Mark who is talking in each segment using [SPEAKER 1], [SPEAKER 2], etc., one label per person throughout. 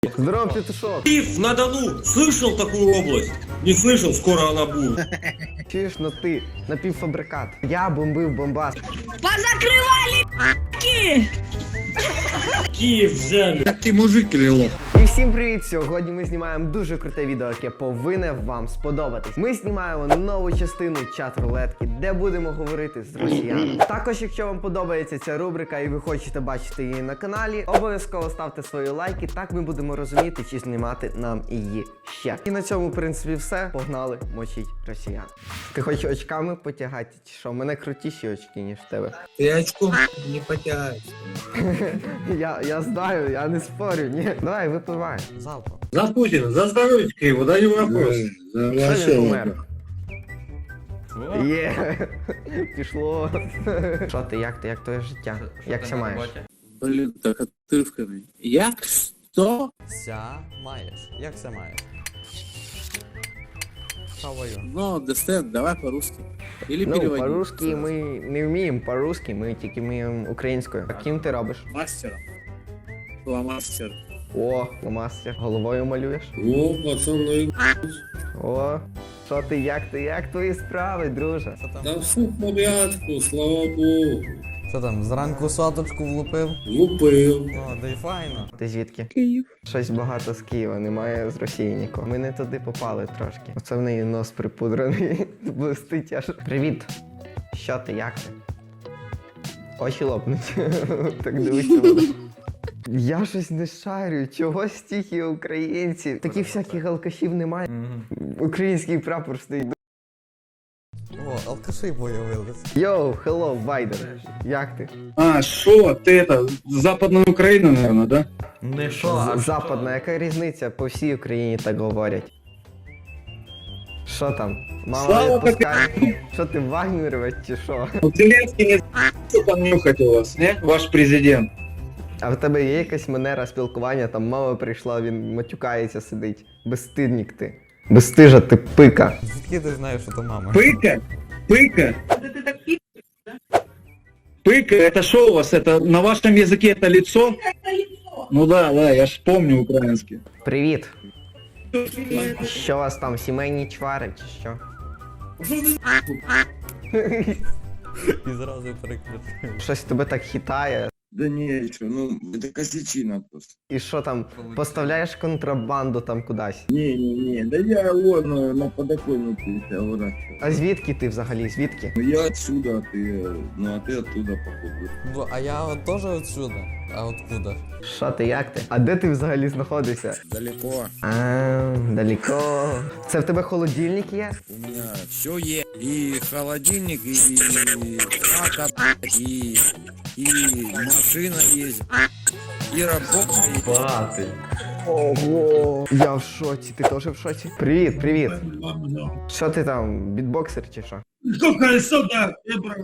[SPEAKER 1] Здорово, петушок.
[SPEAKER 2] Киев на Дону. Слышал такую область? Не слышал, скоро она будет.
[SPEAKER 1] Чуєш, ну ти напівфабрикат. Я бомбив бомбас.
[SPEAKER 3] Позакрывали ***ки!
[SPEAKER 2] Киев взяли.
[SPEAKER 4] Ты мужик или лох?
[SPEAKER 1] І всім привіт! Сьогодні ми знімаємо дуже круте відео, яке повинне вам сподобатись. Ми знімаємо нову частину чат-рулетки, де будемо говорити з росіянами. Також, якщо вам подобається ця рубрика і ви хочете бачити її на каналі, обов'язково ставте свої лайки, так ми будемо розуміти, чи знімати нам її ще. І на цьому, в принципі, все. Погнали мочить росіян. Ти хочеш очками потягати, чи що? У мене крутіші очки, ніж в тебе.
[SPEAKER 4] Ты очком не потягаешь.
[SPEAKER 1] Я знаю, я не спорю, ні. Давай, випивай. Залпом.
[SPEAKER 2] За Путина, за здоровье его, да не вопрос.
[SPEAKER 1] Що він помер? Є, пішло. Що ти, як твоє життя? Як ся маєш?
[SPEAKER 4] Блин, так отрывками. Я? Что?
[SPEAKER 5] Ся маєш. Як ся маєш? How
[SPEAKER 4] Ну, Дестен, давай по-русски. Или
[SPEAKER 1] Ну,
[SPEAKER 4] переводи.
[SPEAKER 1] по-русски ми не вміємо по-русски, ми тільки вміємо українською. А ким ти робиш?
[SPEAKER 4] Мастером. Фломастер.
[SPEAKER 1] О, мастер. Головою малюєш?
[SPEAKER 2] О, пацаны.
[SPEAKER 1] О, що ти, як твої справи, друже?
[SPEAKER 2] Да все в порядку, слава богу.
[SPEAKER 5] Що там, зранку соточку влупив?
[SPEAKER 2] Лупил.
[SPEAKER 5] О, да й файно.
[SPEAKER 1] Ти звідки?
[SPEAKER 4] Киев.
[SPEAKER 1] Щось багато з Києва, немає з Росії нікого. Ми не туди попали трошки. Оце в неї нос припудрений. Блистить аж. Привіт. Що ти, як ти? Очі лопнуть. Так дивися. Я щось не шарю, чого стільки українців? Таких всяких алкашів немає. Український прапор стоїть.
[SPEAKER 5] О, алкаші появились.
[SPEAKER 1] Йоу, хелло, Байден. Як ти?
[SPEAKER 6] А, шо, ты это, Западная Украина, наверное, да?
[SPEAKER 5] Не що,
[SPEAKER 1] Западна, яка різниця? По всій Україні так говорять. Що там? Мама
[SPEAKER 6] Слава
[SPEAKER 1] відпускає? Що ти, Вагнеровець чи що?
[SPEAKER 6] Ну, Зеленский не что там нюхать у вас, не? Ваш президент.
[SPEAKER 1] А в тебе є якась манера спілкування, там мама прийшла, він матюкається, сидить. Безстидник ти. Безстижа ти пика.
[SPEAKER 5] звідки ти знаєш, що то мама?
[SPEAKER 6] Пыка? Пыка? Пыка, это что у вас? Это на вашем языке это лицо? Ну да, я ж помню украинский.
[SPEAKER 1] Привіт. Що у вас там, сімейні чвари чи що?
[SPEAKER 5] І зразу переключив.
[SPEAKER 1] Щось тебе так хитає.
[SPEAKER 7] Да не, что, ну, это косячина просто.
[SPEAKER 1] І що там, поставляєш контрабанду там кудись?
[SPEAKER 7] Не, да я вон на подоконнике себя выращиваю.
[SPEAKER 1] А звідки ти взагалі, звідки?
[SPEAKER 7] Ну я отсюда, а ты оттуда, походу.
[SPEAKER 5] Ну, а я от теж отсюда. А откуда?
[SPEAKER 1] Що ти, як ти? А де ти взагалі знаходишся?
[SPEAKER 7] Далеко.
[SPEAKER 1] А, далеко. Це в тебе холодильник є?
[SPEAKER 7] У меня все есть. И холодильник, и хата, и машина есть, и работа есть.
[SPEAKER 5] Бати.
[SPEAKER 1] Ого! Я в шоці, ти теж в шоці? Привіт. Що ти там, бітбоксер чи що?
[SPEAKER 8] Сколько сюда?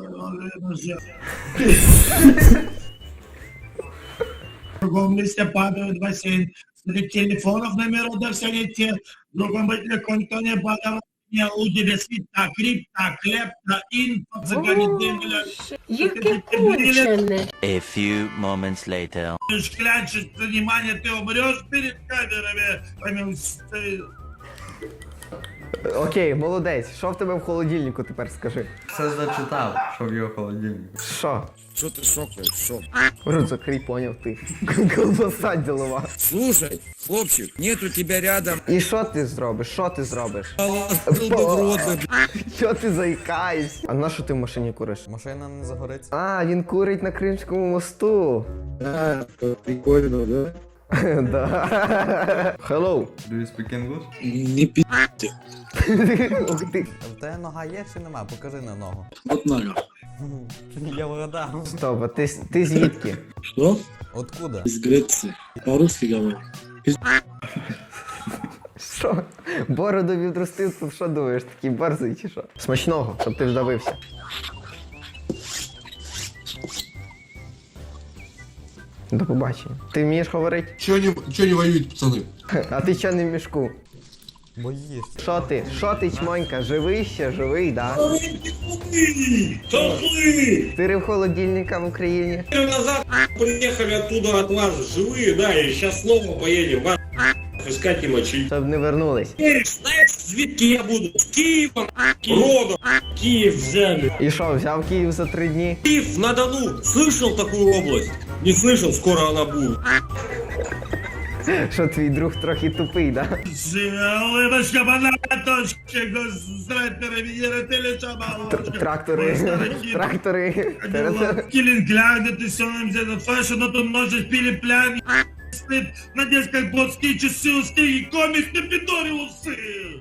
[SPEAKER 8] В другом месте падают в бассейн. Среди телефонов номеров да все не те. В другом телефоне никто не падал. У тебя свита, крипта, клепта, инфо, цыгане, демеля.
[SPEAKER 3] Яке кончене.
[SPEAKER 9] A few moments later.
[SPEAKER 8] Шклянчишь, внимание, ты умрешь перед камерами.
[SPEAKER 1] Окей, молодець. Що в тебе в холодильнику тепер скажи?
[SPEAKER 5] Все зачитав, що в його холодильнику.
[SPEAKER 1] Що?
[SPEAKER 7] Что ты шокаешь, шок?
[SPEAKER 1] Рот закрий, поняв ти. Колбаса ділова.
[SPEAKER 7] Слушай, хлопчик, нет у тебя рядом.
[SPEAKER 1] І що ти зробиш? Що ти зробиш?
[SPEAKER 7] Был бы в рот, бы,
[SPEAKER 1] Що ти заїкаєшся? А на що ти в машині куриш?
[SPEAKER 5] Машина не загориться.
[SPEAKER 1] А, він курить на Кримському мосту.
[SPEAKER 7] да, прикольно, да?
[SPEAKER 1] Да. Hello.
[SPEAKER 5] Do you speak English?
[SPEAKER 7] Не пи***.
[SPEAKER 1] Ух ти.
[SPEAKER 5] В тебе нога є чи нема? Покажи на ногу.
[SPEAKER 7] Вот нога.
[SPEAKER 5] Я вгадав.
[SPEAKER 1] Стоп, а ти звідки?
[SPEAKER 7] Что?
[SPEAKER 5] Откуда?
[SPEAKER 7] Из Греции. По-русски говорю.
[SPEAKER 1] Що? Бороду відростив, то що думаєш, такий борзий чи що? Смачного, щоб ти вдавився. До побачення. Ти вмієш говорити?
[SPEAKER 4] Чего не воюют, пацаны?
[SPEAKER 1] А ти що не в мішку?
[SPEAKER 5] Бо їж.
[SPEAKER 1] Що ти? Що ти, чмонька? Живий ще? Живий, да?
[SPEAKER 2] Толпы!
[SPEAKER 1] Ти в холодильника в Україні?
[SPEAKER 2] Назад приехали оттуда от вас живые, да, и сейчас снова поедем. Искать и мочить.
[SPEAKER 1] Щоб не вернулись.
[SPEAKER 2] Знаешь, звідки я буду? С Киевом, родом. Киев взяли.
[SPEAKER 1] І що, взяв Київ за 3 дні?
[SPEAKER 2] Киев на Дону. Слышал такую область? Не слышал, скоро она будет.
[SPEAKER 1] Що твій друг трохи тупий, да?
[SPEAKER 8] Улыбочка, банаточки, гострайпера, венеры,
[SPEAKER 1] Трактори. Трактори.
[SPEAKER 8] Киллингляды, ты все нам взял фэшн, но тут ножик пили плян, спит, на детской плотские часы, усы и комикс на пидориусы.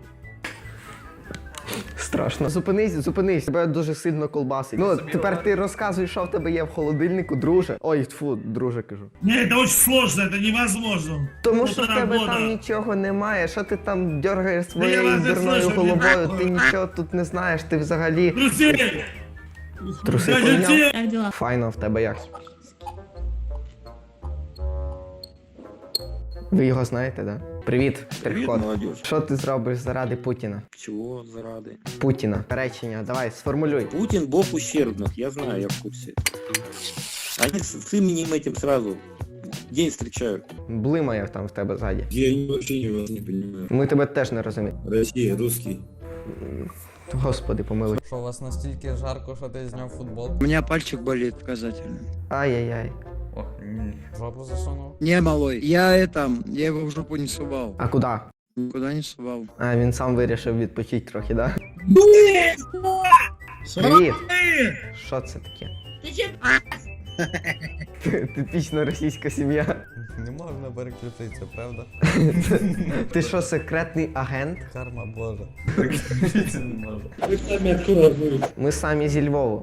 [SPEAKER 1] Страшно. Зупинись, тебе дуже сильно колбасить. Ну, тепер ти розказуй, що в тебе є в холодильнику, друже. Ой, тьфу, друже кажу.
[SPEAKER 8] Не, это очень сложно, это невозможно.
[SPEAKER 1] Тому що в тебе
[SPEAKER 8] Полтора
[SPEAKER 1] там
[SPEAKER 8] года.
[SPEAKER 1] нічого немає, що ти там дергаєш своєю
[SPEAKER 8] Я вас не
[SPEAKER 1] дурною
[SPEAKER 8] слышу,
[SPEAKER 1] головою,
[SPEAKER 8] не
[SPEAKER 1] ти нічого тут не знаєш, ти взагалі
[SPEAKER 8] Друзей!
[SPEAKER 1] труси
[SPEAKER 8] Я
[SPEAKER 1] поміняв.
[SPEAKER 8] тебе-
[SPEAKER 3] Как дела?
[SPEAKER 1] Файно, в тебе як? Ви його знаєте, да? Привіт, штрих-код.
[SPEAKER 6] молодежь.
[SPEAKER 1] Що ти зробиш заради Путіна?
[SPEAKER 6] Чего заради?
[SPEAKER 1] Путіна. Речення, давай, сформулюй.
[SPEAKER 6] Путин бог ущербных, я знаю, я в курсе. Они с именем этим сразу день встречают.
[SPEAKER 1] Блимає там в тебе ззаді.
[SPEAKER 4] Я вообще вас не понимаю.
[SPEAKER 1] Ми тебе теж не розуміємо.
[SPEAKER 4] Россия, русский.
[SPEAKER 1] Господи, помилуй.
[SPEAKER 5] Що у вас настільки жарко, що ти зняв футбол?
[SPEAKER 7] У меня пальчик болит показательно.
[SPEAKER 1] Ай-яй-яй.
[SPEAKER 5] Ох, ні. Жопу засунув.
[SPEAKER 7] Не, малой, я его в жопу не сувал.
[SPEAKER 1] А куди?
[SPEAKER 7] Никуда не сувал.
[SPEAKER 1] А, він сам вирішив відпочити трохи, да? Привіт! Що це таке?
[SPEAKER 3] Ты че,
[SPEAKER 1] Типічна російська сім'я.
[SPEAKER 5] Не можна переключитися, правда?
[SPEAKER 1] Ти що, секретний агент?
[SPEAKER 5] Карма Божа. Переключитися не можна.
[SPEAKER 2] Вы сами откуда были?
[SPEAKER 1] Ми самі зі Львову.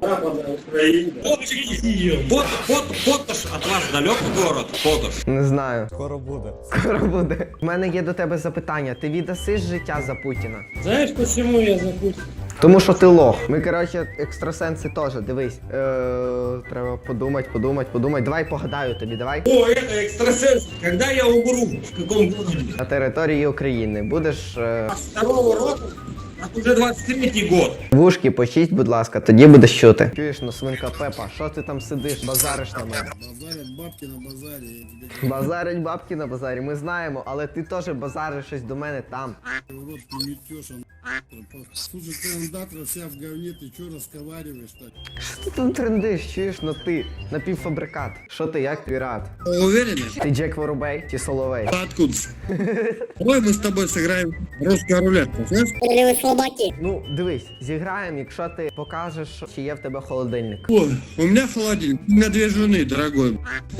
[SPEAKER 2] Поташ от вас далек город? Поташ.
[SPEAKER 1] Не знаю.
[SPEAKER 5] Скоро буде.
[SPEAKER 1] Скоро буде. У мене є до тебе запитання. Ти віддасиш життя за Путіна?
[SPEAKER 2] Знаешь, почему я запустил?
[SPEAKER 1] Тому що ти лох. Ми, коротше, екстрасенси теж, дивись. Треба подумати. Давай погадаю тобі, давай.
[SPEAKER 2] О, это экстрасенс. Когда я умру? В каком городе?
[SPEAKER 1] На території України. Будеш
[SPEAKER 2] Второго року? А уже 23-й год.
[SPEAKER 1] вушки почисть, будь ласка, тоді будеш чути. Чуєш, ну свинка Пепа, що ти там сидиш, базариш на мене?
[SPEAKER 4] Базарят бабки на базаре.
[SPEAKER 1] Базарять бабки на базарі, ми знаємо, але ти теж базариш щось до мене там.
[SPEAKER 4] Рот не метешь, слушай, ты андатра вся в говне, ты что разговариваешь так?
[SPEAKER 1] Що ти тут трендиш, чуєш, ну ти напівфабрикат. Що ти, як пірат?
[SPEAKER 7] Уверены?
[SPEAKER 1] Ти Джек Воробей чи Соловей?
[SPEAKER 7] Откуда? Давай мы с тобой сыграем русскую рулетку, знаешь?
[SPEAKER 1] Ну, дивись, зіграємо, якщо ти покажеш, чи є в тебе холодильник.
[SPEAKER 7] О, у меня холодильник, у меня 2 жены, дорогой.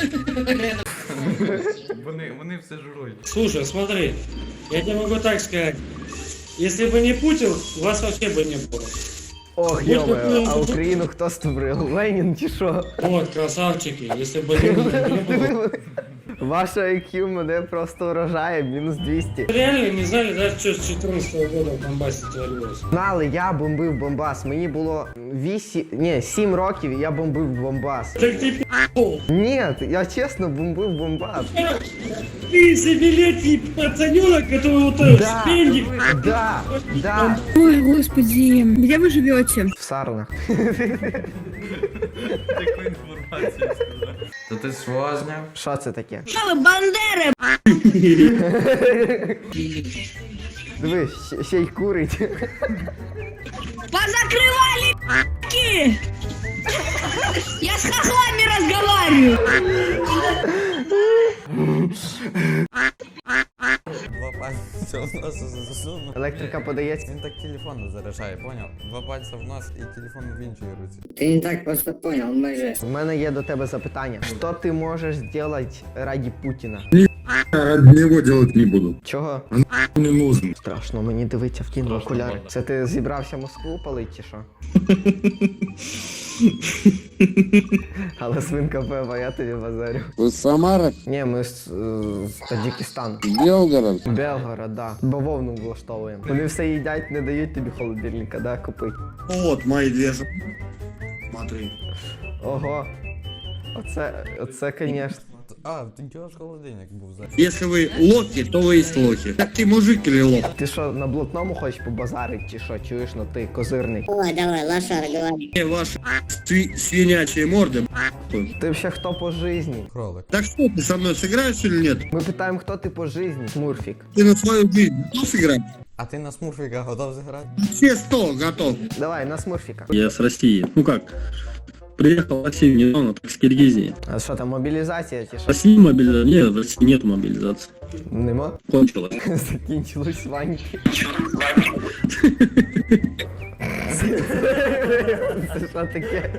[SPEAKER 5] Вони все жрують.
[SPEAKER 2] Слушай, смотри, я тебе могу так сказать. Если бы не Путин, вас вообще бы не было.
[SPEAKER 1] Ох, йоме, а Україну хто створив? Ленін чи що?
[SPEAKER 2] Вот, красавчики, если бы не было.
[SPEAKER 1] Ваша IQ мене просто вражає, мінус 200.
[SPEAKER 2] Реально не знали, даже что с 14 года в Донбассе творилось.
[SPEAKER 1] Знали, я бомбив Бомбас. Мені було 7 років, і я бомбив Бомбас.
[SPEAKER 2] Так ты пи***л.
[SPEAKER 1] Ні, я чесно бомбив Бомбас.
[SPEAKER 2] Ты забилетий пацаненок, который вот этот
[SPEAKER 1] Да,
[SPEAKER 2] спендик.
[SPEAKER 1] да,
[SPEAKER 3] Ой, господи, где вы живете?
[SPEAKER 1] в сарнах.
[SPEAKER 5] Таку інформацію сказав. То ти свого зняв?
[SPEAKER 1] Що це таке?
[SPEAKER 3] Что вы, Бандеры?
[SPEAKER 1] Дивись, ще й курить.
[SPEAKER 3] Позакрывали ***ки! Я с хохлами разговариваю!
[SPEAKER 5] Два пальця в нос засунув.
[SPEAKER 1] Електрика подається.
[SPEAKER 5] Він так телефон не заряджає, поняв? Два пальця в нос і телефон в іншій руці.
[SPEAKER 10] Ты не так просто понял, мы же...
[SPEAKER 1] У мене є до тебе запитання. Що ти можеш зробити раді Путіна?
[SPEAKER 4] Ради него делать не буду.
[SPEAKER 1] Чого?
[SPEAKER 4] Не нужен.
[SPEAKER 1] Страшно мені дивитися в кіно окуляри. Це ти зібрався Москву палить чи що? Але свинка Пепа, я тобі базарю.
[SPEAKER 4] Вы Самара?
[SPEAKER 1] Ні, ми з Таджикистану.
[SPEAKER 4] Белгород?
[SPEAKER 1] Белгород, да. Бавовну влаштовуємо. Вони все їдять, не дають тобі холодильника, да, купить.
[SPEAKER 7] Вот мои 2 жены. Смотри.
[SPEAKER 1] Ого. Оце, конечно.
[SPEAKER 5] А, ти чого ж холодильник був за.
[SPEAKER 7] Если вы лохи, то вы есть лохи. Так ты мужик или лох?
[SPEAKER 1] Ти що, на блатному хочеш побазарити, чи що? Чуєш, ну ти козирний.
[SPEAKER 10] Ой, давай, лошара, говори.
[SPEAKER 7] Ваши свинячие морды.
[SPEAKER 1] Ти ще хто по житті?
[SPEAKER 5] Кролик.
[SPEAKER 7] Так что, ты со мной сыграешь или нет?
[SPEAKER 1] Ми питаємо, хто ти по житті, Смурфік.
[SPEAKER 7] Ты на свою жизнь готов сыграть?
[SPEAKER 5] А ти на смурфіка готов зіграти?
[SPEAKER 7] Все 100 готов.
[SPEAKER 1] Давай, на Смурфіка.
[SPEAKER 6] Я с России. Ну как? Приехал в Россию недавно, так с Киргизии.
[SPEAKER 1] А що там, мобілізація чи
[SPEAKER 6] В
[SPEAKER 1] що?
[SPEAKER 6] России мобилизация? Нет, в России нет мобилизации.
[SPEAKER 1] Нема?
[SPEAKER 6] Кончилось.
[SPEAKER 1] Закінчились ваньки. Це що таке?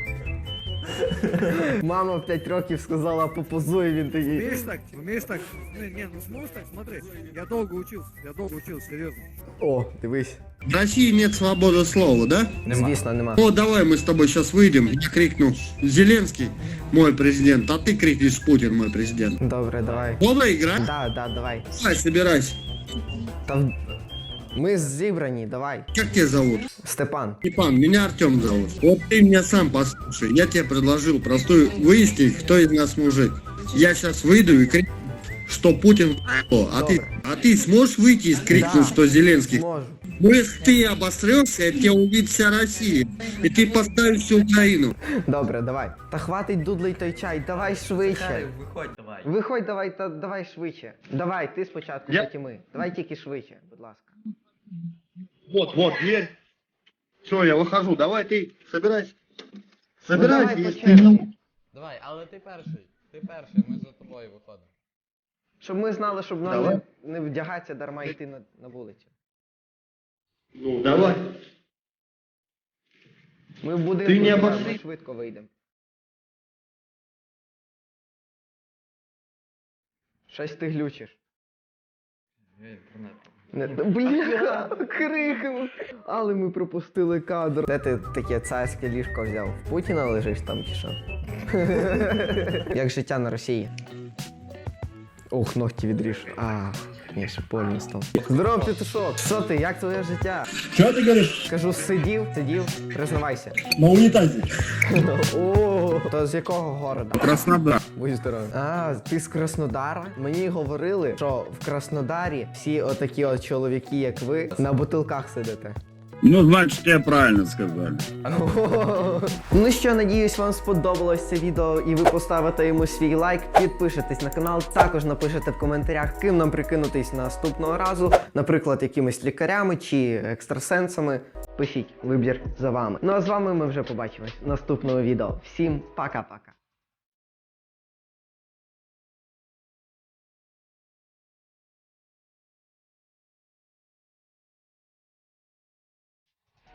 [SPEAKER 1] Мама в 5 років сказала попозуй, він такий.
[SPEAKER 6] Умеешь так? Не, ну сможешь так, смотри. Я долго учился, серьезно.
[SPEAKER 1] О, дивись.
[SPEAKER 7] В России нет свободы слова, да?
[SPEAKER 1] Звісно, нема.
[SPEAKER 7] Ну давай мы с тобой сейчас выйдем. Я крикну Зеленский, мой президент, а ты крикнешь Путин, мой президент.
[SPEAKER 1] Добре, давай.
[SPEAKER 7] Можно играть?
[SPEAKER 1] Да, давай.
[SPEAKER 7] Давай, собирайся.
[SPEAKER 1] Та ми зібрані, давай.
[SPEAKER 7] Как тебя зовут?
[SPEAKER 1] Степан.
[SPEAKER 7] Степан, меня Артем зовут. Вот ты меня сам послушай. Я тебе предложил простую выяснить, кто из нас мужик. Я сейчас выйду и крикну, что Путин а ты сможешь выйти и крикнуть,
[SPEAKER 1] Да.
[SPEAKER 7] что Зеленский?
[SPEAKER 1] Можу.
[SPEAKER 7] Ну если ты обосрешься, тебя увидит вся Россия. И ты поставишь всю Украину.
[SPEAKER 1] Добре, давай. Та хватить дудлий той чай, давай швидше.
[SPEAKER 5] Виходь давай.
[SPEAKER 1] Виходь, давай, та давай швидше. Давай, ти спочатку, потім ми. Давай тільки швидше, будь ласка.
[SPEAKER 7] Вот, дверь. Все, я выхожу. Давай ты, собирайся.
[SPEAKER 1] Ну, давай по черзі.
[SPEAKER 5] Давай, але ти перший, ми за тобою виходимо.
[SPEAKER 1] Щоб ми знали, щоб нам
[SPEAKER 7] Давай.
[SPEAKER 1] не вдягатися дарма йти на вулицю.
[SPEAKER 7] Ну, давай.
[SPEAKER 1] Ми в будинку
[SPEAKER 7] Ти не
[SPEAKER 1] живемо,
[SPEAKER 7] обошли?
[SPEAKER 1] ми швидко вийдемо. Щось ти глючиш. Бля, криком. Але ми пропустили кадр. Де ти таке царське ліжко взяв? В Путіна лежиш там чи що? Як життя на Росії? Ох, ногті відріж. Ні, ще больно став. Здорово, Петушок. Що ти, як твоє життя?
[SPEAKER 8] Что ты говоришь?
[SPEAKER 1] Кажу, сидів, признавайся.
[SPEAKER 8] На унитазе.
[SPEAKER 1] О, то з якого города?
[SPEAKER 7] Краснодар.
[SPEAKER 1] Будь здоровий. Ти з Краснодара? Мені говорили, що в Краснодарі всі отакі от чоловіки, як ви, на бутилках сидите.
[SPEAKER 6] Ну, значит, тебе правильно сказали.
[SPEAKER 1] Ну що, надіюсь, вам сподобалось це відео і ви поставите йому свій лайк, підпишетесь на канал, також напишете в коментарях, ким нам прикинутись наступного разу, наприклад, якимись лікарями чи екстрасенсами. Пишіть, вибір за вами. Ну а з вами ми вже побачимось в наступному відео. Всім пока-пока.